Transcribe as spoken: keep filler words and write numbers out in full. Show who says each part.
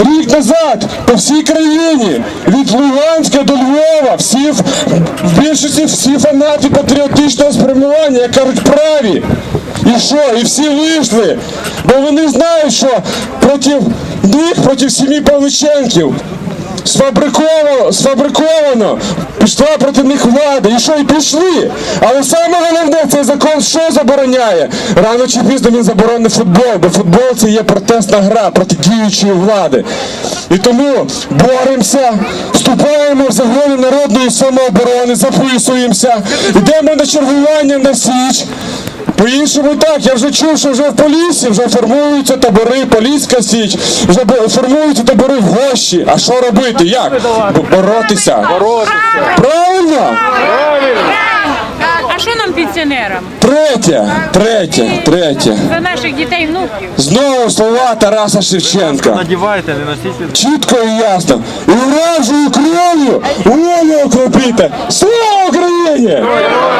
Speaker 1: Рік назад по всій країні, від Луганська до Львова, всі, в більшості всі фанати патріотичного спрямування, як кажуть, праві. І що? І всі вийшли, бо вони знають, що проти них, проти сім'ї Павличенків, сфабриковано, сфабриковано пішла проти них влада. І що? І пішли. Але саме головне, цей закон що забороняє? Рано чи пізно він заборонить футбол, бо футбол це є протестна гра проти діючої влади. І тому боремося, вступаємо в загони народної самооборони, записуємося, йдемо на чергування на Січ. По-іншому так, я вже чув, що вже в Поліссі вже формуються табори, Поліська Січ, вже формуються табори в Гощі. А що робити? Як? Боротися.
Speaker 2: Боротися.
Speaker 1: Правильно?
Speaker 2: Правильно.
Speaker 3: А що нам пенсіонерам?
Speaker 1: Третє, третє, третє.
Speaker 3: За наших дітей, внуків.
Speaker 1: Знову слова Тараса Шевченка.
Speaker 2: Надівайте, не носіть.
Speaker 1: Чітко і ясно. І оранжевою кров'ю волю окропіте. Слава Україні!